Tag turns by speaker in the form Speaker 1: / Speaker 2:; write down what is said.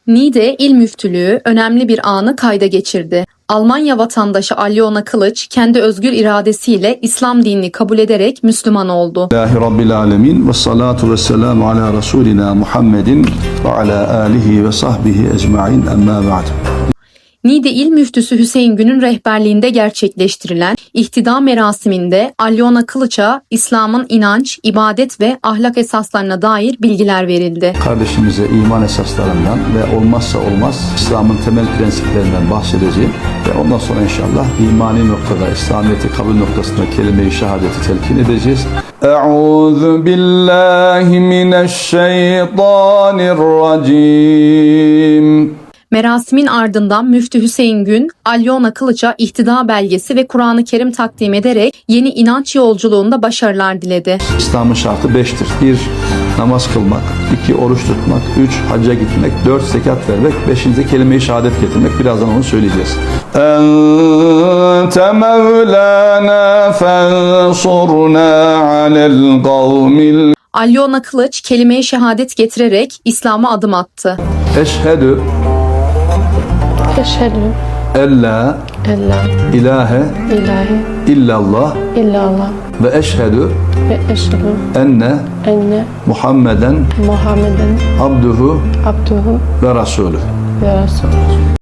Speaker 1: Niğde İl Müftülüğü önemli bir anı kayda geçirdi. Almanya vatandaşı Alyona Kılıç kendi özgür iradesiyle İslam dinini kabul ederek Müslüman oldu.
Speaker 2: Allahi Rabbil Alemin ve salatu ve selamu ala Resulina Muhammedin ve ala alihi ve sahbihi ecma'in emma ba'd.
Speaker 1: Niğde İl Müftüsü Hüseyin Gün'ün rehberliğinde gerçekleştirilen ihtida merasiminde Alyona Kılıç'a İslam'ın inanç, ibadet ve ahlak esaslarına dair bilgiler verildi.
Speaker 2: Kardeşimize iman esaslarından ve olmazsa olmaz İslam'ın temel prensiplerinden bahsedeceğim ve ondan sonra inşallah imani noktada, İslamiyet'i kabul noktasında kelime-i şehadeti telkin edeceğiz. Euzu billahi mineşşeytanirracim.
Speaker 1: Merasimin ardından Müftü Hüseyin Gün, Alyona Kılıç'a ihtida belgesi ve Kur'an-ı Kerim takdim ederek yeni inanç yolculuğunda başarılar diledi.
Speaker 2: İslam'ın şartı 5'tir. 1. Namaz kılmak. 2. Oruç tutmak. 3. Hacca gitmek. 4. Zekat vermek. 5. kelime-i şehadet getirmek. Birazdan onu söyleyeceğiz. Ente mevlana fensurna alel kavmil.
Speaker 1: Alyona Kılıç kelime-i şehadet getirerek İslam'a adım attı.
Speaker 2: Eşhedü
Speaker 3: Eşhedü
Speaker 2: ella
Speaker 3: en
Speaker 2: ilahe
Speaker 3: ilahe
Speaker 2: illallah
Speaker 3: illallah
Speaker 2: ve eşhedü
Speaker 3: ve eşhedü
Speaker 2: enne
Speaker 3: enne
Speaker 2: Muhammeden
Speaker 3: Muhammeden
Speaker 2: abduhu
Speaker 3: abduhu
Speaker 2: ve rasulü.
Speaker 3: ve resulü.